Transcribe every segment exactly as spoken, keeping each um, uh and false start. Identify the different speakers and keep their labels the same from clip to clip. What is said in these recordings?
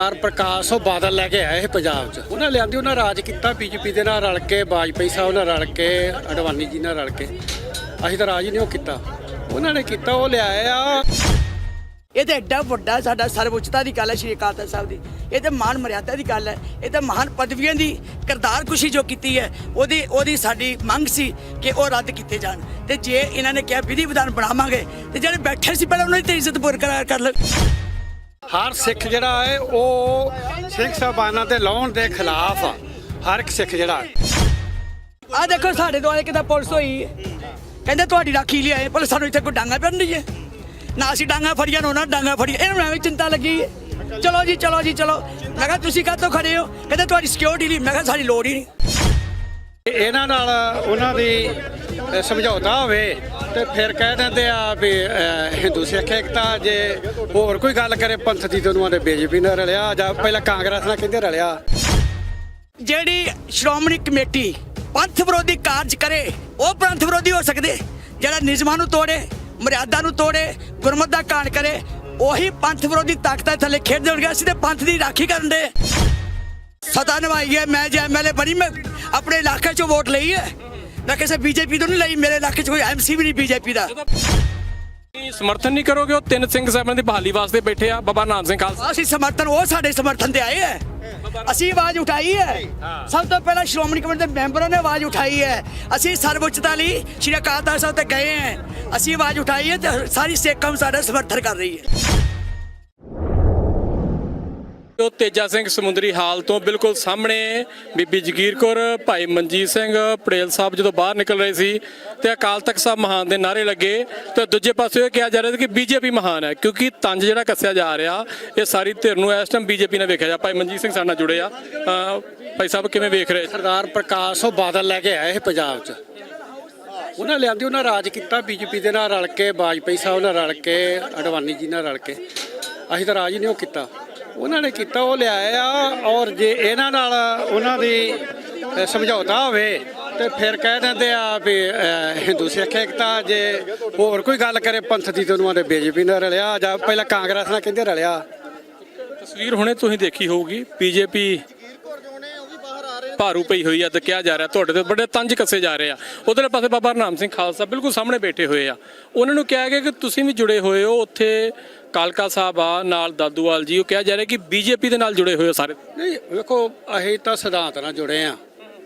Speaker 1: ਸਰਦਾਰ ਪ੍ਰਕਾਸ਼ ਉਹ ਬਾਦਲ ਲੈ ਕੇ ਆਏ ਇਹ ਪੰਜਾਬ 'ਚ ਉਹਨਾਂ ਲਿਆਂਦੀ ਉਹਨਾਂ ਰਾਜ ਕੀਤਾ ਬੀਜੇਪੀ ਦੇ ਨਾਲ ਰਲ ਕੇ ਵਾਜਪਾਈ ਸਾਹਿਬ ਨਾਲ ਰਲ ਕੇ ਅਡਵਾਨੀ ਜੀ ਨਾਲ ਰਲ ਕੇ ਅਸੀਂ ਤਾਂ ਰਾਜ ਹੀ ਨਹੀਂ ਉਹ ਕੀਤਾ ਉਹਨਾਂ ਨੇ ਕੀਤਾ ਉਹ ਲਿਆਏ ਆ।
Speaker 2: ਇਹ ਤਾਂ ਐਡਾ ਵੱਡਾ ਸਾਡਾ ਸਰਵਉੱਚਤਾ ਦੀ ਗੱਲ ਹੈ ਸ਼੍ਰੀ ਅਕਾਲ ਤਖਤ ਸਾਹਿਬ ਦੀ। ਇਹ ਤਾਂ ਮਾਨ ਮਰਿਆਦਾ ਦੀ ਗੱਲ ਹੈ। ਇਹ ਤਾਂ ਮਹਾਨ ਪਦਵੀਆਂ ਦੀ ਕਰਤਾਰ ਕੁਸ਼ੀ ਜੋ ਕੀਤੀ ਹੈ ਉਹਦੀ ਉਹਦੀ ਸਾਡੀ ਮੰਗ ਸੀ ਕਿ ਉਹ ਰੱਦ ਕੀਤੇ ਜਾਣ। ਤੇ ਜੇ ਇਹਨਾਂ ਨੇ ਕਿਹਾ ਵਿਧੀ ਵਿਧਾਨ ਬਣਾਵਾਂਗੇ ਤੇ ਜਿਹੜੇ ਬੈਠੇ ਸੀ ਪਹਿਲਾਂ ਉਹਨਾਂ ਦੀ ਤਾਂ ਇੱਜ਼ਤ ਬਰਕਰਾਰ ਕਰ ਲੈ।
Speaker 1: ਹਰ ਸਿੱਖ ਜਿਹੜਾ ਹੈ ਉਹ ਸਿੰਘ ਸਾਹਿਬਾਨਾਂ ਦੇ ਲਾਉਣ ਦੇ ਖਿਲਾਫ ਆ। ਹਰ ਇੱਕ ਸਿੱਖ ਜਿਹੜਾ
Speaker 2: ਆਹ ਦੇਖੋ ਸਾਡੇ ਦੁਆਲੇ ਕਿਦਾਂ ਪੁਲਿਸ ਹੋਈ ਕਹਿੰਦੇ ਤੁਹਾਡੀ ਰਾਖੀ ਲਈ ਆਏ ਪਰ ਸਾਨੂੰ ਇੱਥੇ ਕੋਈ ਡਾਂਗਾ ਪੈਣ ਨਹੀਂ ਹੈ ਨਾ ਅਸੀਂ ਡਾਂਗਾ ਫੜੀਆਂ ਨਾ ਡਾਂਗਾ ਫੜੀਆਂ ਇਹਨਾਂ ਨੂੰ ਐਵੇਂ ਚਿੰਤਾ ਲੱਗੀ ਹੈ। ਚਲੋ ਜੀ ਚਲੋ ਜੀ ਚਲੋ। ਮੈਂ ਕਿਹਾ ਤੁਸੀਂ ਕਾਹਤੋਂ ਖੜੇ ਹੋ ਕਹਿੰਦੇ ਤੁਹਾਡੀ ਸਿਕਿਉਰਿਟੀ ਲਈ। ਮੈਂ ਕਿਹਾ ਸਾਡੀ ਲੋੜ ਹੀ ਨਹੀਂ।
Speaker 1: ਇਹਨਾਂ ਨਾਲ ਉਹਨਾਂ ਦੀ ਸਮਝੌਤਾ ਹੋਵੇ ਤੇ ਫਿਰ ਕਹਿ ਦਿੰਦੇ ਆ ਵੀ ਹਿੰਦੂ ਸਿੱਖ ਏਕਤਾ। ਜੇ ਹੋਰ ਕੋਈ ਗੱਲ ਕਰੇ ਪੰਥ ਦੀ ਤਾਂ ਉਹਨਾਂ ਦੇ ਬੀਜੇਪੀ ਨਾਲ ਰਲਿਆ ਜਾਂ ਪਹਿਲਾਂ ਕਾਂਗਰਸ ਨਾਲ ਕਹਿੰਦੇ ਰਲਿਆ।
Speaker 2: ਜਿਹੜੀ ਸ਼੍ਰੋਮਣੀ ਕਮੇਟੀ ਪੰਥ ਵਿਰੋਧੀ ਕਾਰਜ ਕਰੇ ਉਹ ਪੰਥ ਵਿਰੋਧੀ ਹੋ ਸਕਦੇ। ਜਿਹੜਾ ਨਿਯਮਾਂ ਨੂੰ ਤੋੜੇ ਮਰਿਆਦਾ ਨੂੰ ਤੋੜੇ ਗੁਰਮਤਿ ਦਾ ਕਾਣ ਕਰੇ ਉਹੀ ਪੰਥ ਵਿਰੋਧੀ ਤਾਕਤਾਂ ਥੱਲੇ ਖੇਡਦੇ ਹੋਣਗੇ। ਅਸੀਂ ਤੇ ਪੰਥ ਦੀ ਰਾਖੀ ਕਰਨ ਦੇ ਸਤਾ ਨਿਭਾਈ ਹੈ। ਮੈਂ ਜੇ ਐਮ ਐਲ ਏ ਬਣੀ ਮੈਂ ਆਪਣੇ ਇਲਾਕੇ 'ਚੋਂ ਵੋਟ ਲਈ ਹੈ। ਮੈਂ ਕਿਸੇ ਬੀਜੇਪੀ ਤੋਂ ਨਹੀਂ ਲਈ। ਮੇਰੇ ਇਲਾਕੇ 'ਚ ਕੋਈ ਐਮ ਸੀ ਵੀ ਨਹੀਂ ਬੀਜੇਪੀ ਦਾ।
Speaker 3: ਸਮਰਥਨ ਨਹੀਂ ਕਰੋਗੇ? ਉਹ ਤਿੰਨ ਸਿੰਘ ਸਾਹਿਬਾਂ ਦੀ ਬਹਾਲੀ ਵਾਸਤੇ ਬੈਠੇ ਆ ਬਾਬਾ ਨਾਨਕ ਸਿੰਘ ਖਾਲਸਾ।
Speaker 2: ਅਸੀਂ ਸਮਰਥਨ ਉਹ ਸਾਡੇ ਸਮਰਥਨ ਤੇ ਆਏ ਹੈ। ਅਸੀਂ ਆਵਾਜ਼ ਉਠਾਈ ਹੈ। ਸਭ ਤੋਂ ਪਹਿਲਾਂ ਸ਼੍ਰੋਮਣੀ ਕਮੇਟੀ ਦੇ ਮੈਂਬਰਾਂ ਨੇ ਆਵਾਜ਼ ਉਠਾਈ ਹੈ। ਅਸੀਂ ਸਰਵਉੱਚਤਾ ਲਈ ਸ਼੍ਰੀ ਅਕਾਲ ਤਖਤ ਸਾਹਿਬ ਤੇ ਗਏ ਹਾਂ। ਅਸੀਂ ਆਵਾਜ਼ ਉਠਾਈ ਹੈ ਤੇ ਸਾਰੀ ਸਿੱਖ ਕੌਮ ਸਾਡਾ ਸਮਰਥਨ ਕਰ ਰਹੀ ਹੈ।
Speaker 3: ਉਹ ਤੇਜਾ ਸਿੰਘ ਸਮੁੰਦਰੀ ਹਾਲ ਤੋਂ ਬਿਲਕੁਲ ਸਾਹਮਣੇ ਬੀਬੀ ਜਗੀਰ ਕੌਰ ਭਾਈ ਮਨਜੀਤ ਸਿੰਘ ਪਟੇਲ ਸਾਹਿਬ ਜਦੋਂ ਬਾਹਰ ਨਿਕਲ ਰਹੇ ਸੀ ਤੇ ਅਕਾਲ ਤਖਤ ਸਾਹਿਬ ਮਹਾਨ ਦੇ ਨਾਅਰੇ ਲੱਗੇ ਤੇ ਦੂਜੇ ਪਾਸੇ ਇਹ ਕਿਹਾ ਜਾ ਰਿਹਾ ਸੀ ਕਿ ਬੀਜੇਪੀ ਮਹਾਨ ਹੈ ਕਿਉਂਕਿ ਤੰਜ ਜਿਹੜਾ ਕੱਸਿਆ ਜਾ ਰਿਹਾ ਇਹ ਸਾਰੀ ਧਿਰ ਨੂੰ ਇਸ ਟਾਈਮ ਬੀਜੇਪੀ ਨਾਲ ਵੇਖਿਆ ਜਾ। ਭਾਈ ਮਨਜੀਤ ਸਿੰਘ ਸਾਡੇ ਨਾਲ ਜੁੜੇ ਆ। ਭਾਈ ਸਾਹਿਬ ਕਿਵੇਂ ਵੇਖ ਰਹੇ?
Speaker 1: ਸਰਦਾਰ ਪ੍ਰਕਾਸ਼ ਉਹ ਬਾਦਲ ਲੈ ਕੇ ਆਏ ਇਹ ਪੰਜਾਬ 'ਚ ਉਹਨਾਂ ਲਿਆਂਦੀ ਉਹਨਾਂ ਰਾਜ ਕੀਤਾ ਬੀਜੇਪੀ ਦੇ ਨਾਲ ਰਲ ਕੇ ਵਾਜਪਾਈ ਸਾਹਿਬ ਨਾਲ ਰਲ ਕੇ ਅਡਵਾਨੀ ਜੀ ਨਾਲ ਰਲ ਕੇ ਅਸੀਂ ਤਾਂ ਰਾਜ ਹੀ ਨਹੀਂ ਉਹ ਕੀਤਾ ਉਹਨਾਂ ਨੇ ਕੀਤਾ ਉਹ ਲਿਆਏ ਆ। ਔਰ ਜੇ ਇਹਨਾਂ ਨਾਲ ਉਹਨਾਂ ਦੀ ਸਮਝੌਤਾ ਹੋਵੇ ਤੇ ਫਿਰ ਕਹਿ ਦਿੰਦੇ ਆ ਵੀ ਹਿੰਦੂ ਸਿੱਖ ਏਕਤਾ। ਜੇ ਹੋਰ ਕੋਈ ਗੱਲ ਕਰੇ ਪੰਥ ਦੀ ਤਾਂ ਉਹਨਾਂ ਦੇ ਬੀਜੇਪੀ ਨਾਲ ਰਲਿਆ ਜਾਂ ਪਹਿਲਾਂ ਕਾਂਗਰਸ ਨਾਲ ਕਹਿੰਦੇ ਰਲਿਆ।
Speaker 3: ਤਸਵੀਰ ਹੁਣੇ ਤੁਸੀਂ ਦੇਖੀ ਹੋਊਗੀ ਬੀਜੇਪੀ ਭਾਰੂ ਪਈ ਹੋਈ ਆ ਤੇ ਕਿਹਾ ਜਾ ਰਿਹਾ ਤੁਹਾਡੇ ਤੇ ਬੜੇ ਤੰਜ ਕੱਸੇ ਜਾ ਰਹੇ ਆ। ਉਧਰਲੇ ਪਾਸੇ ਬਾਬਾ ਨਾਨਕ ਸਿੰਘ ਖਾਲਸਾ ਬਿਲਕੁਲ ਸਾਹਮਣੇ ਬੈਠੇ ਹੋਏ ਆ। ਉਹਨਾਂ ਨੂੰ ਕਿਹਾ ਗਿਆ ਕਿ ਤੁਸੀਂ ਵੀ ਜੁੜੇ ਹੋਏ ਹੋ ਉੱਥੇ ਕਾਲਕਾ ਸਾਹਿਬ ਆ ਨਾਲ ਦਾਦੂਵਾਲ ਜੀ। ਉਹ ਕਿਹਾ ਜਾ ਰਿਹਾ ਕਿ ਬੀਜੇਪੀ ਦੇ ਨਾਲ ਜੁੜੇ ਹੋਏ ਹੋ ਸਾਰੇ।
Speaker 1: ਨਹੀਂ ਵੇਖੋ ਅਸੀਂ ਤਾਂ ਸਿਧਾਂਤ ਨਾਲ ਜੁੜੇ ਆ।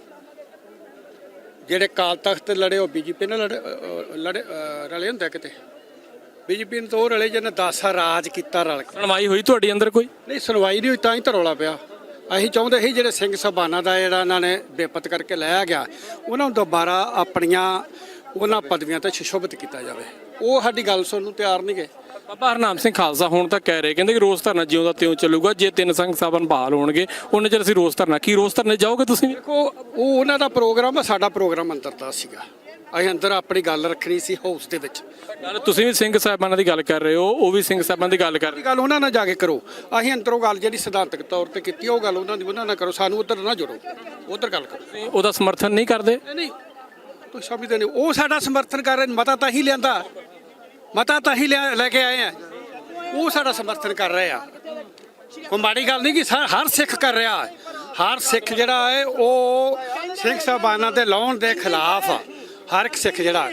Speaker 1: ਜਿਹੜੇ ਕਾਲ ਤਖਤ ਲੜੇ ਉਹ ਬੀਜੇਪੀ ਨਾਲ ਲੜੇ ਲੜੇ ਰਲੇ ਹੁੰਦੇ ਕਿਤੇ ਬੀਜੇਪੀ ਨੂੰ ਤਾਂ ਉਹ ਰਲੇ ਜਿਹਨੇ ਦਸ ਰਾਜ ਕੀਤਾ ਰਲ ਕੇ।
Speaker 3: ਸੁਣਵਾਈ ਹੋਈ ਤੁਹਾਡੀ ਅੰਦਰ ਕੋਈ?
Speaker 1: ਨਹੀਂ ਸੁਣਵਾਈ ਨਹੀਂ ਹੋਈ ਤਾਂ ਹੀ ਤਾਂ ਰੌਲਾ ਪਿਆ। ਅਸੀਂ ਚਾਹੁੰਦੇ ਸੀ ਜਿਹੜੇ ਸਿੰਘ ਸਾਹਿਬਾਨਾਂ ਦਾ ਜਿਹੜਾ ਇਹਨਾਂ ਨੇ ਬੇਪਤ ਕਰਕੇ ਲਾਇਆ ਗਿਆ ਉਹਨਾਂ ਨੂੰ ਦੁਬਾਰਾ ਆਪਣੀਆਂ ਉਹਨਾਂ ਪਦਵੀਆਂ ਤੇ ਸ਼ੁਸ਼ੋਭਿਤ ਕੀਤਾ ਜਾਵੇ। ਉਹ ਸਾਡੀ ਗੱਲ ਸੁਣਨ ਨੂੰ ਤਿਆਰ ਨਹੀਂ ਗਏ।
Speaker 3: ਬਾਬਾ ਹਰਨਾਮ ਸਿੰਘ ਖਾਲਸਾ ਹੁਣ ਤਾਂ ਕਹਿ ਰਹੇ ਕਹਿੰਦੇ ਕਿ ਰੋਸ ਧਰਨਾ ਜਿਉਂ ਦਾ ਤਿਉਂ ਚੱਲੂਗਾ। ਜੇ ਤਿੰਨ ਸਿੰਘ ਸਾਹਿਬਾਨ ਬਹਾਲ ਹੋਣਗੇ ਉਹਨੇ ਚਿਰ ਅਸੀਂ ਰੋਸ ਧਰਨਾ। ਕੀ ਰੋਸ ਧਰਨੇ ਜਾਓਗੇ ਤੁਸੀਂ?
Speaker 1: ਦੇਖੋ ਉਹ ਉਹਨਾਂ ਦਾ ਪ੍ਰੋਗਰਾਮ ਆ, ਸਾਡਾ ਪ੍ਰੋਗਰਾਮ ਅੰਦਰ ਦਾ ਸੀਗਾ। ਅਸੀਂ ਅੰਦਰ ਆਪਣੀ ਗੱਲ ਰੱਖਣੀ ਸੀ ਹਾਊਸ ਦੇ ਵਿੱਚ।
Speaker 3: ਗੱਲ ਤੁਸੀਂ ਵੀ ਸਿੰਘ ਸਾਹਿਬਾਨਾਂ ਦੀ ਗੱਲ ਕਰ ਰਹੇ ਹੋ ਉਹ ਵੀ ਸਿੰਘ ਸਾਹਿਬਾਨ ਦੀ ਗੱਲ ਕਰ ਰਹੇ।
Speaker 1: ਗੱਲ ਉਹਨਾਂ ਨਾਲ ਜਾ ਕੇ ਕਰੋ। ਅਸੀਂ ਅੰਦਰੋਂ ਗੱਲ ਜਿਹੜੀ ਸਿਧਾਂਤਕ ਤੌਰ ਤੇ ਕੀਤੀ ਉਹ ਗੱਲ ਉਹਨਾਂ ਦੀ ਉਹਨਾਂ ਨਾਲ ਕਰੋ। ਸਾਨੂੰ ਉੱਧਰ ਨਾ ਜੁੜੋ ਉੱਧਰ ਗੱਲ ਕਰੋ।
Speaker 3: ਉਹਦਾ ਸਮਰਥਨ ਨਹੀਂ ਕਰਦੇ?
Speaker 1: ਨਹੀਂ ਤੁਸੀਂ ਸਮਝਦੇ ਨਹੀਂ। ਉਹ ਸਾਡਾ ਸਮਰਥਨ ਕਰ ਰਹੇ। ਮਤਾ ਤਾਂ ਹੀ ਲਿਆਂਦਾ ਮਤਾ ਤਾਂ ਹੀ ਲੈ ਕੇ ਆਏ ਆ। ਉਹ ਸਾਡਾ ਸਮਰਥਨ ਕਰ ਰਹੇ ਆ। ਕੋਈ ਮਾੜੀ ਗੱਲ ਨਹੀਂ ਕਿ ਹਰ ਸਿੱਖ ਕਰ ਰਿਹਾ। ਹਰ ਸਿੱਖ ਜਿਹੜਾ ਹੈ ਉਹ ਸਿੰਘ ਸਾਹਿਬਾਨਾਂ ਦੇ ਲਾਉਣ ਦੇ ਖਿਲਾਫ ਆ। ਹਰ ਇੱਕ ਸਿੱਖ ਜਿਹੜਾ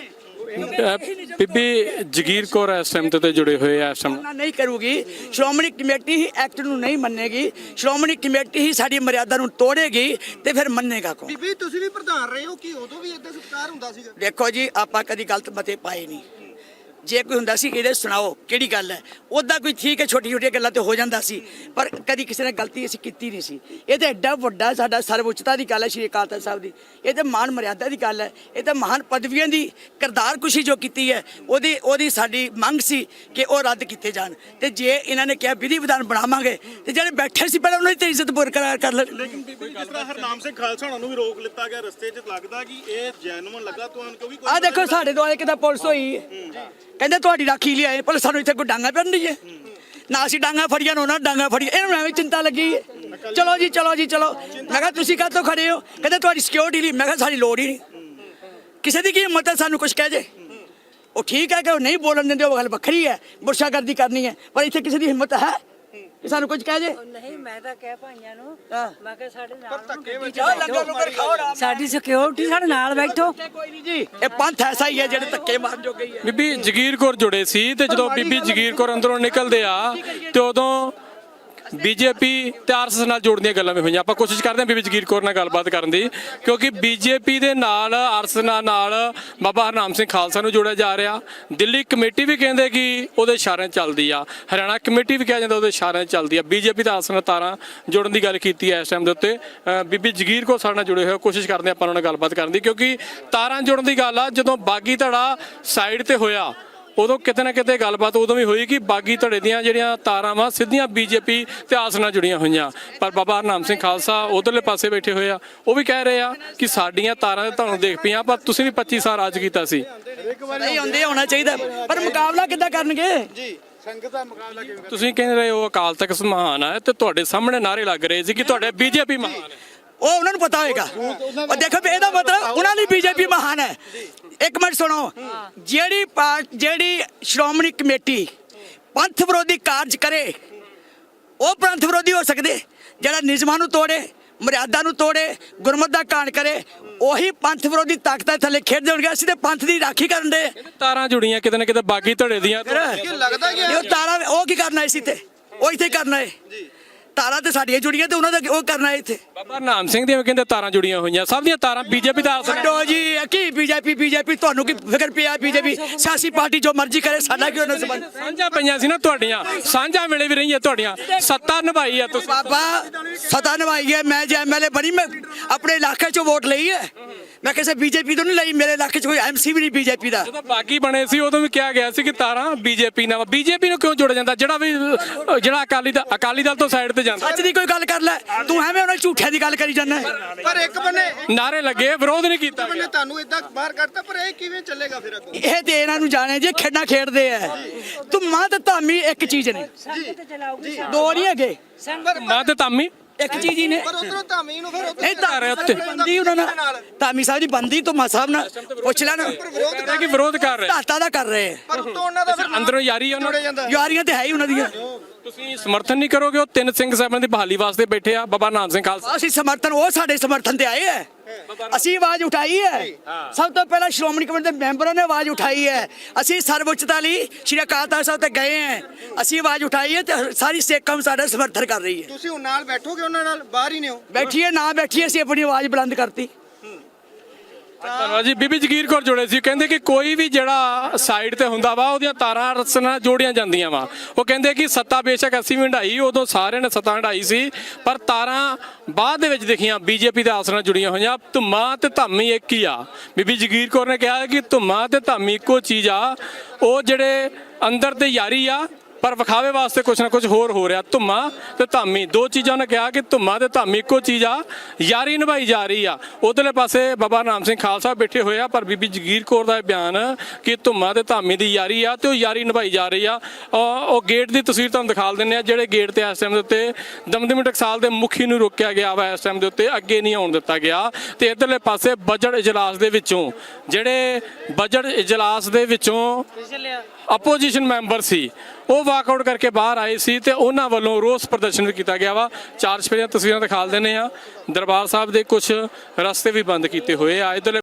Speaker 3: ਬੀਬੀ ਜਗੀਰ ਕੌਰ ਇਸ ਟਾਈਮ ਤੇ ਜੁੜੇ ਹੋਏ ਆ। ਇਸ ਟਾਈਮ
Speaker 2: ਨਹੀਂ ਕਰੂਗੀ। ਸ਼੍ਰੋਮਣੀ ਕਮੇਟੀ ਹੀ ਐਕਟ ਨੂੰ ਨਹੀਂ ਮੰਨੇਗੀ। ਸ਼੍ਰੋਮਣੀ ਕਮੇਟੀ ਹੀ ਸਾਡੀ ਮਰਿਆਦਾ ਨੂੰ ਤੋੜੇਗੀ ਤੇ ਫਿਰ ਮੰਨੇਗਾ ਕੌਣ?
Speaker 4: ਬੀਬੀ ਤੁਸੀਂ ਵੀ ਪ੍ਰਧਾਨ ਰਹੇ ਹੋ ਕਿ ਉਦੋਂ ਵੀ ਇਦਾਂ ਸਤਿਕਾਰ ਹੁੰਦਾ ਸੀਗਾ?
Speaker 2: ਦੇਖੋ ਜੀ ਆਪਾਂ ਕਦੀ ਗਲਤ ਮਤੇ ਪਾਏ ਨਹੀਂ। ਜੇ ਕੋਈ ਹੁੰਦਾ ਸੀ ਇਹਦੇ ਸੁਣਾਓ ਕਿਹੜੀ ਗੱਲ ਹੈ। ਉੱਦਾਂ ਕੋਈ ਠੀਕ ਹੈ ਛੋਟੀ ਛੋਟੀਆਂ ਗੱਲਾਂ ਤੇ ਹੋ ਜਾਂਦਾ ਸੀ ਪਰ ਕਦੀ ਕਿਸੇ ਨੇ ਗਲਤੀ ਅਸੀਂ ਕੀਤੀ ਨਹੀਂ ਸੀ। ਇਹ ਤਾਂ ਐਡਾ ਵੱਡਾ ਸਾਡਾ ਸਰਵਉੱਚਤਾ ਦੀ ਗੱਲ ਹੈ ਸ਼੍ਰੀ ਅਕਾਲ ਤਖਤ ਸਾਹਿਬ ਦੀ। ਇਹ ਤਾਂ ਮਾਨ ਮਰਿਆਦਾ ਦੀ ਗੱਲ ਹੈ। ਇਹ ਤਾਂ ਮਹਾਨ ਪਦਵੀਆਂ ਦੀ ਕਰਤਾਰ ਕੁਸ਼ੀ ਜੋ ਕੀਤੀ ਹੈ ਉਹਦੀ ਉਹਦੀ ਸਾਡੀ ਮੰਗ ਸੀ ਕਿ ਉਹ ਰੱਦ ਕੀਤੇ ਜਾਣ। ਤੇ ਜੇ ਇਹਨਾਂ ਨੇ ਕਿਹਾ ਵਿਧੀ ਵਿਧਾਨ ਬਣਾਵਾਂਗੇ ਤੇ ਜਿਹੜੇ ਬੈਠੇ ਸੀ ਪਹਿਲਾਂ ਉਹਨਾਂ ਦੀ ਤਾਂ ਇੱਜ਼ਤ ਬਰਕਰਾਰ ਕਰ ਲੈ।
Speaker 4: ਲੇਕਿਨ ਬੀਬੀ ਜਿਸ ਤਰ੍ਹਾਂ ਹਰਨਾਮ ਸਿੰਘ ਖਾਲਸਾ ਉਹਨਾਂ ਨੂੰ ਵੀ ਰੋਕ ਲਿੱਤਾ ਗਿਆ ਰਸਤੇ 'ਚ ਲੱਗਦਾ ਕਿ ਇਹ ਜੈਨੂਅਨ ਲੱਗਾ ਤੁਹਾਨੂੰ ਕਿਉਂਕਿ
Speaker 2: ਆਹ ਦੇਖੋ ਸਾਡੇ ਦੁਆਲੇ ਕਿਦਾਂ ਪੁਲਿਸ ਹੋਈ ਕਹਿੰਦੇ ਤੁਹਾਡੀ ਰਾਖੀ ਲਈ ਆਏ ਪਰ ਸਾਨੂੰ ਇੱਥੇ ਕੋਈ ਡਾਂਗਾ ਪੈਣ ਨਹੀਂ ਹੈ ਨਾ ਅਸੀਂ ਡਾਂਗਾ ਫੜੀਆਂ ਨਾ ਡਾਂਗਾ ਫੜੀਆਂ ਇਹਨਾਂ ਨੂੰ ਐਵੇਂ ਚਿੰਤਾ ਲੱਗੀ ਹੈ। ਚਲੋ ਜੀ ਚਲੋ ਜੀ ਚਲੋ। ਮੈਂ ਕਿਹਾ ਤੁਸੀਂ ਕਾਹਤੋਂ ਖੜੇ ਹੋ ਕਹਿੰਦੇ ਤੁਹਾਡੀ ਸਿਕਿਉਰਿਟੀ ਲਈ। ਮੈਂ ਕਿਹਾ ਸਾਡੀ ਲੋੜ ਹੀ ਨਹੀਂ। ਕਿਸੇ ਦੀ ਕੀ ਹਿੰਮਤ ਹੈ ਸਾਨੂੰ ਕੁਝ ਕਹਿ ਜੇ। ਉਹ ਠੀਕ ਹੈ ਕਿ ਉਹ ਨਹੀਂ ਬੋਲਣ ਦਿੰਦੇ ਉਹ ਗੱਲ ਵੱਖਰੀ ਹੈ। ਗੁਰਸ਼ਾਗਰਦੀ ਕਰਨੀ ਹੈ ਪਰ ਇੱਥੇ ਕਿਸੇ ਦੀ ਹਿੰਮਤ ਹੈ ਕਿ ਸਾਨੂੰ ਕੁਝ ਕਹਿ ਜੇ
Speaker 5: ਨਹੀਂ ਮੈਂ ਤਾਂ ਕਹਿ ਭਾਈਆਂ ਨੂੰ
Speaker 2: ਹਾਂ।
Speaker 5: ਮੈਂ ਕਿਹਾ ਸਾਡੇ ਨਾਲ
Speaker 2: ਜਾਓ ਲੰਗਰ ਲੰਗਰ ਖਾਓ ਆਰਾਮ
Speaker 5: ਸਾਡੀ ਸਿਕਿਉਰਿਟੀ ਸਾਡੇ ਨਾਲ ਬੈਠੋ
Speaker 2: ਨਾਲ। ਕੋਈ ਨਹੀਂ ਜੀ ਇਹ ਪੰਥ ਐਸਾ ਹੀ ਹੈ ਜਿਹੜੇ ਧੱਕੇ ਮਾਰਨ ਜੋਗੇ ਹੀ ਹੈ।
Speaker 3: ਬੀਬੀ ਜਗੀਰ ਕੌਰ ਜੁੜੇ ਸੀ ਤੇ ਜਦੋਂ ਬੀਬੀ ਜਗੀਰ ਕੌਰ ਅੰਦਰੋਂ ਨਿਕਲਦੇ ਆ ਤੇ ਉਦੋਂ ਬੀਜੇਪੀ ਤੇ ਆਰਐਸਐਸ ਨਾਲ ਜੋੜਨ ਦੀਆਂ ਗੱਲਾਂ ਵੀ ਹੋਈਆਂ। ਆਪਾਂ ਕੋਸ਼ਿਸ਼ ਕਰਦੇ ਹਾਂ ਬੀਬੀ ਜਗੀਰ ਕੌਰ ਨਾਲ ਗੱਲਬਾਤ ਕਰਨ ਦੀ, ਕਿਉਂਕਿ ਬੀਜੇਪੀ ਦੇ ਨਾਲ ਆਰਐਸਐਸ ਨਾਲ ਬਾਬਾ ਹਰਨਾਮ ਸਿੰਘ ਖਾਲਸਾ ਨੂੰ ਜੋੜਿਆ ਜਾ ਰਿਹਾ। ਦਿੱਲੀ ਕਮੇਟੀ ਵੀ ਕਹਿੰਦੇ ਕਿ ਉਹਦੇ ਇਸ਼ਾਰਿਆਂ 'ਚ ਚੱਲਦੀ ਆ, ਹਰਿਆਣਾ ਕਮੇਟੀ ਵੀ ਕਿਹਾ ਜਾਂਦਾ ਉਹਦੇ ਇਸ਼ਾਰਿਆਂ 'ਚ ਚੱਲਦੀ ਆ। ਬੀਜੇਪੀ ਤੇ ਆਰਐਸਐਸ ਨਾਲ ਤਾਰਾਂ ਜੋੜਨ ਦੀ ਗੱਲ ਕੀਤੀ ਹੈ ਇਸ ਟਾਈਮ ਦੇ ਉੱਤੇ। ਅ, ਬੀਬੀ ਜਗੀਰ ਕੌਰ ਸਾਡੇ ਨਾਲ ਜੁੜੇ ਹੋਏ, ਕੋਸ਼ਿਸ਼ ਕਰਦੇ ਹਾਂ ਆਪਾਂ ਉਹਨਾਂ ਨਾਲ ਗੱਲਬਾਤ ਕਰਨ ਦੀ, ਕਿਉਂਕਿ ਤਾਰਾਂ ਜੋੜਨ ਦੀ ਗੱਲ ਆ ਜਦੋਂ ਬਾਗੀ ਧੜਾ ਸਾਈਡ ਤੇ ਹੋਇਆ ਉਦੋਂ ਕਿਤੇ ਨਾ ਕਿਤੇ ਗੱਲਬਾਤ ਉਦੋਂ ਵੀ ਹੋਈ ਕਿ ਬਾਗੀ ਧੜੇ ਦੀਆਂ ਜਿਹੜੀਆਂ ਤਾਰਾਂ ਵਾ ਸਿੱਧੀਆਂ ਬੀਜੇਪੀ ਤੇ ਆਸ ਨਾਲ ਜੁੜੀਆਂ ਹੋਈਆਂ। ਪਰ ਬਾਬਾ ਹਰਨਾਮ ਸਿੰਘ ਖਾਲਸਾ ਉਧਰਲੇ ਪਾਸੇ ਬੈਠੇ ਹੋਏ ਆ, ਉਹ ਵੀ ਕਹਿ ਰਹੇ ਆ ਕਿ ਸਾਡੀਆਂ ਤਾਰਾਂ ਤੇ ਤੁਹਾਨੂੰ ਦੇਖ ਪਈਆਂ ਪਰ ਤੁਸੀਂ ਵੀ ਪੱਚੀ ਸਾਲ ਰਾਜ ਕੀਤਾ ਸੀ।
Speaker 2: ਨਹੀਂ ਹੁੰਦੇ ਹੋਣਾ ਚਾਹੀਦਾ, ਪਰ ਮੁਕਾਬਲਾ ਕਿੱਦਾਂ ਕਰਨਗੇ ਜੀ?
Speaker 3: ਤੁਸੀਂ ਕਹਿ ਰਹੇ ਹੋ ਅਕਾਲ ਤਖਤ ਮਹਾਨ ਹੈ ਤੇ ਤੁਹਾਡੇ ਸਾਹਮਣੇ ਨਾਰੇ ਲੱਗ ਰਹੇ ਸੀ ਕਿ ਤੁਹਾਡੇ ਬੀਜੇਪੀ ਮਹਾਨ ਹੈ।
Speaker 2: ਉਹ ਉਹਨਾਂ ਨੂੰ ਪਤਾ ਹੋਏਗਾ। ਉਹ ਦੇਖੋ ਵੀ ਇਹਦਾ ਮਤਲਬ ਉਹਨਾਂ ਦੀ ਬੀਜੇਪੀ ਮਹਾਨ ਹੈ। ਇੱਕ ਮਿੰਟ ਸੁਣੋ, ਜਿਹੜੀ ਪਾਰਟ ਜਿਹੜੀ ਸ਼੍ਰੋਮਣੀ ਕਮੇਟੀ ਪੰਥ ਵਿਰੋਧੀ ਕਾਰਜ ਕਰੇ ਉਹ ਪੰਥ ਵਿਰੋਧੀ ਹੋ ਸਕਦੇ। ਜਿਹੜਾ ਨਿਯਮਾਂ ਨੂੰ ਤੋੜੇ, ਮਰਿਆਦਾ ਨੂੰ ਤੋੜੇ, ਗੁਰਮਤਿ ਦਾ ਕਾਣ ਕਰੇ, ਉਹੀ ਪੰਥ ਵਿਰੋਧੀ ਤਾਕਤਾਂ ਥੱਲੇ ਖੇਡਦੇ ਹੋਣਗੇ। ਅਸੀਂ ਤੇ ਪੰਥ ਦੀ ਰਾਖੀ ਕਰਨ ਦੇ
Speaker 3: ਤਾਰਾਂ ਜੁੜੀਆਂ ਕਿਤੇ ਨਾ ਕਿਤੇ ਬਾਗੀ ਧੜੇ ਦੀਆਂ।
Speaker 2: ਲੱਗਦਾ ਕਿ ਉਹ ਤਾਰਾ ਉਹ ਕੀ ਕਰਨਾ ਸੀ ਤੇ ਉਹ ਇੱਥੇ ਕਰਨਾ ਹੈ। ਤਾਰਾਂ ਤੇ ਸਾਡੀਆਂ ਜੁੜੀਆਂ ਤੇ ਉਹਨਾਂ ਦਾ ਉਹ ਕਰਨਾ ਹੈ ਇੱਥੇ।
Speaker 3: ਬਾਬਾ ਹਰਨਾਮ ਸਿੰਘ ਦੀਆਂ ਵੀ ਕਹਿੰਦੇ ਤਾਰਾਂ ਜੁੜੀਆਂ ਹੋਈਆਂ, ਸਭ ਦੀਆਂ ਤਾਰਾਂ ਬੀਜੇਪੀ ਦਾ ਆਸਰਾ।
Speaker 2: ਛੱਡੋ ਜੀ, ਕੀ ਬੀਜੇਪੀ ਬੀਜੇਪੀ ਤੁਹਾਨੂੰ ਕੀ ਫਿਕਰ ਪਿਆ? ਬੀਜੇਪੀ ਸਿਆਸੀ ਪਾਰਟੀ ਜੋ ਮਰਜ਼ੀ ਕਰੇ, ਸਾਡਾ ਕਿਉਂ ਨਾ ਸੰਬੰਧ?
Speaker 3: ਸਾਂਝਾਂ ਪਈਆਂ ਸੀ ਨਾ ਤੁਹਾਡੀਆਂ, ਸਾਂਝਾਂ ਵੇਲੇ ਵੀ ਰਹੀਆਂ ਤੁਹਾਡੀਆਂ, ਸੱਤਾ ਨਿਭਾਈ ਆ ਤੁਸੀਂ।
Speaker 2: ਬਾਬਾ ਸਤਾ ਨਿਭਾਈ ਹੈ। ਮੈਂ ਜੇ ਐਮਐਲਏ ਬਣੀ, ਮੈਂ ਆਪਣੇ ਇਲਾਕੇ ਚੋਂ ਵੋਟ ਲਈ ਹੈ। ਮੈਂ ਕਿਸੇ ਬੀਜੇਪੀ ਤੋਂ ਨਹੀਂ ਲਈ। ਮੇਰੇ ਇਲਾਕੇ 'ਚ ਕੋਈ ਐਮਸੀ ਵੀ ਨਹੀਂ ਬੀਜੇਪੀ ਦਾ।
Speaker 3: ਜਦੋਂ ਬਾਗੀ ਬਣੇ ਸੀ ਉਦੋਂ ਵੀ ਕਿਹਾ ਗਿਆ ਸੀ ਕਿ ਤਾਰਾਂ ਬੀਜੇਪੀ ਨਾਲ। ਬੀਜੇਪੀ ਨੂੰ ਕਿਉਂ ਜੋੜਿਆ ਜਾਂਦਾ? ਜਿਹੜਾ ਵੀ ਜਿਹੜਾ ਅਕਾਲੀ ਦਾ ਅਕਾਲੀ ਦਲ ਤੋਂ ਸਾਈਡ ਤੇ ਜਾਂਦਾ।
Speaker 2: ਸੱਚ ਦੀ ਕੋਈ ਗੱਲ ਕਰ ਲੈ ਤੂੰ, ਐਵੇਂ ਉਹਨਾਂ ਝੂਠਿਆਂ ਦੀ ਗੱਲ ਕਰੀ ਜਾਂਦਾ।
Speaker 6: ਪਰ ਇੱਕ ਬੰਨੇ
Speaker 3: ਨਾਰੇ ਲੱਗੇ, ਵਿਰੋਧ ਨਹੀਂ ਕੀਤਾ
Speaker 6: ਬੰਨੇ ਤੁਹਾਨੂੰ ਇਦਾਂ ਬਾਹਰ ਕੱਢਤਾ, ਪਰ ਇਹ ਕਿਵੇਂ ਚੱਲੇਗਾ ਫਿਰ ਅੱਗੋਂ?
Speaker 2: ਇਹ ਤੇ ਇਹਨਾਂ ਨੂੰ ਜਾਣੇ ਜੇ ਖੇਡਾਂ ਖੇਡਦੇ ਆ। ਧੁੰਮਾਂ ਤੇ ਧਾਮੀ ਇੱਕ ਚੀਜ਼ ਨੇ,
Speaker 5: ਸੰਗਤ ਚਲਾਉਗੀ
Speaker 2: ਦੋ ਨਹੀਂ ਹੈਗੇ,
Speaker 3: ਮੈਂ ਤੇ ਤਾਮੀ
Speaker 2: ਇੱਕ ਚੀਜ਼ ਹੀ ਨੇ।
Speaker 6: ਪਰ ਉਧਰੋਂ ਧਾਮੀ ਨੂੰ ਫਿਰ ਉੱਧਰ
Speaker 2: ਇਹ ਤਾਂ ਬੰਦੀ ਉਹਨਾਂ ਨਾਲ, ਧਾਮੀ ਸਾਹਿਬ ਦੀ ਬੰਦੀ ਧੁੰਮਾ ਸਾਹਿਬ ਨਾਲ ਪੁੱਛ ਲੈਣ।
Speaker 3: ਕਹਿੰਦੇ ਕਿ ਵਿਰੋਧ ਕਰ ਰਹੇ।
Speaker 2: ਧਾਤਾ ਦਾ ਕਰ ਰਹੇ ਆ।
Speaker 6: ਪਰ ਉੱਤੋਂ ਉਹਨਾਂ ਦਾ ਫਿਰ
Speaker 3: ਅੰਦਰੋਂ ਯਾਰੀ ਆ ਉਹਨਾਂ
Speaker 6: ਜੁੜੇ ਜਾਂਦਾ।
Speaker 2: ਯਾਰੀਆਂ ਤੇ ਹੈ ਹੀ ਉਹਨਾਂ ਦੀਆਂ।
Speaker 3: ਤੁਸੀਂ ਸਮਰਥਨ ਨਹੀਂ ਕਰੋਗੇ? ਉਹ ਤਿੰਨ ਸਿੰਘ ਸਾਹਿਬਾਂ ਦੀ ਬਹਾਲੀ ਵਾਸਤੇ ਬੈਠੇ ਆ, ਬਾਬਾ ਨਾਨਕ ਸਿੰਘ ਖਾਲਸਾ।
Speaker 2: ਅਸੀਂ ਸਮਰਥਨ, ਉਹ ਸਾਡੇ ਸਮਰਥਨ ਤੇ ਆਏ ਹੈ। ਅਸੀਂ ਆਵਾਜ਼ ਉਠਾਈ ਹੈ। ਸਭ ਤੋਂ ਪਹਿਲਾਂ ਸ਼੍ਰੋਮਣੀ ਕਮੇਟੀ ਦੇ ਮੈਂਬਰਾਂ ਨੇ ਆਵਾਜ਼ ਉਠਾਈ ਹੈ। ਅਸੀਂ ਸਰਵਉੱਚਤਾ ਲਈ ਸ਼੍ਰੀ ਅਕਾਲ ਤਖਤ ਸਾਹਿਬ ਤੇ ਗਏ ਹਾਂ। ਅਸੀਂ ਆਵਾਜ਼ ਉਠਾਈ ਹੈ ਤੇ ਸਾਰੀ ਸਿੱਖ ਕੌਮ ਸਾਡਾ ਸਮਰਥਨ ਕਰ ਰਹੀ ਹੈ।
Speaker 6: ਤੁਸੀਂ ਹੁਣ ਨਾਲ ਬੈਠੋਗੇ ਉਹਨਾਂ ਨਾਲ, ਬਾਹਰ ਹੀ ਨੇ ਉਹ।
Speaker 2: ਬੈਠੀਏ ਨਾ ਬੈਠੀਏ, ਅਸੀਂ ਆਪਣੀ ਆਵਾਜ਼ ਬੁਲੰਦ ਕਰਤੀ।
Speaker 3: ਧੰਨਵਾਦ ਜੀ। ਬੀਬੀ ਜਗੀਰ ਕੌਰ ਜੁੜੇ ਸੀ, ਕਹਿੰਦੇ ਕਿ ਕੋਈ ਵੀ ਜਿਹੜਾ ਸਾਈਡ ਤੇ ਹੁੰਦਾ ਵਾ ਉਹਦੀਆਂ ਤਾਰਾਂ ਰਸ ਨਾਲ ਜੋੜੀਆਂ ਜਾਂਦੀਆਂ ਵਾ। ਉਹ ਕਹਿੰਦੇ ਕਿ ਸੱਤਾ ਬੇਸ਼ੱਕ ਅਸੀਂ ਵੀ ਹੰਢਾਈ, ਉਦੋਂ ਸਾਰਿਆਂ ਨੇ ਸੱਤਾ ਹੰਢਾਈ ਸੀ, ਪਰ ਤਾਰਾਂ ਬਾਅਦ ਦੇ ਵਿੱਚ ਦਿਖੀਆਂ ਬੀਜੇਪੀ ਦੇ ਆਸ ਨਾਲ ਜੁੜੀਆਂ ਹੋਈਆਂ। ਧੁੰਮਾਂ ਤੇ ਧਾਮੀ ਇੱਕ ਹੀ ਆ। ਬੀਬੀ ਜਗੀਰ ਕੌਰ ਨੇ ਕਿਹਾ ਕਿ ਧੁੰਮਾਂ ਤੇ ਧਾਮੀ ਇੱਕੋ ਚੀਜ਼ ਆ। ਉਹ ਜਿਹੜੇ ਅੰਦਰ ਤੇ ਯਾਰੀ ਆ, ਪਰ ਵਿਖਾਵੇ ਵਾਸਤੇ ਕੁਛ ਨਾ ਕੁਛ ਹੋਰ ਹੋ ਰਿਹਾ। ਧੁੰਮਾਂ ਤੇ ਧਾਮੀ ਦੋ ਚੀਜ਼ਾਂ ਨੇ ਕਿਹਾ ਕਿ ਧੁੰਮਾਂ ਤੇ ਧਾਮੀ ਇੱਕੋ ਚੀਜ਼ ਆ, ਯਾਰੀ ਨਿਭਾਈ ਜਾ ਰਹੀ ਆ। ਉਧਰਲੇ ਪਾਸੇ ਬਾਬਾ ਹਰਨਾਮ ਸਿੰਘ ਖਾਲਸਾ ਬੈਠੇ ਹੋਏ ਆ, ਪਰ ਬੀਬੀ ਜਗੀਰ ਕੌਰ ਦਾ ਇਹ ਬਿਆਨ ਕਿ ਧੁੰਮਾਂ ਤੇ ਧਾਮੀ ਦੀ ਯਾਰੀ ਆ ਤੇ ਉਹ ਯਾਰੀ ਨਿਭਾਈ ਜਾ ਰਹੀ ਆ। ਉਹ ਗੇਟ ਦੀ ਤਸਵੀਰ ਤੁਹਾਨੂੰ ਦਿਖਾ ਦਿੰਦੇ ਆ, ਜਿਹੜੇ ਗੇਟ ਤੇ ਇਸ ਟਾਈਮ ਦੇ ਉੱਤੇ ਦਮਦਮੀ ਟਕਸਾਲ ਦੇ ਮੁਖੀ ਨੂੰ ਰੋਕਿਆ ਗਿਆ ਵਾ। ਇਸ ਟਾਈਮ ਦੇ ਉੱਤੇ ਅੱਗੇ ਨਹੀਂ ਆਉਣ ਦਿੱਤਾ ਗਿਆ। ਤੇ ਇਧਰਲੇ ਪਾਸੇ ਬਜਟ ਇਜਲਾਸ ਦੇ ਵਿੱਚੋਂ ਜਿਹੜੇ ਬਜਟ ਇਜਲਾਸ ਦੇ ਵਿੱਚੋਂ ਆਪੋਜੀਸ਼ਨ ਮੈਂਬਰ ਸੀ ਉਹ ਵਾਕਆਊਟ ਕਰਕੇ ਬਾਹਰ ਆਏ ਸੀ ਤੇ ਉਹਨਾਂ ਵੱਲੋਂ ਰੋਸ ਪ੍ਰਦਰਸ਼ਨ ਵੀ ਕੀਤਾ ਗਿਆ ਵਾ। ਚਾਰ ਚੁਫੇਰਿਆਂ ਤਸਵੀਰਾਂ ਦਿਖਾ ਦਿੰਦੇ ਆ। ਦਰਬਾਰ ਸਾਹਿਬ ਦੇ ਕੁਝ ਰਸਤੇ ਵੀ ਬੰਦ ਕੀਤੇ ਹੋਏ ਆ। ਇਧਰਲੇ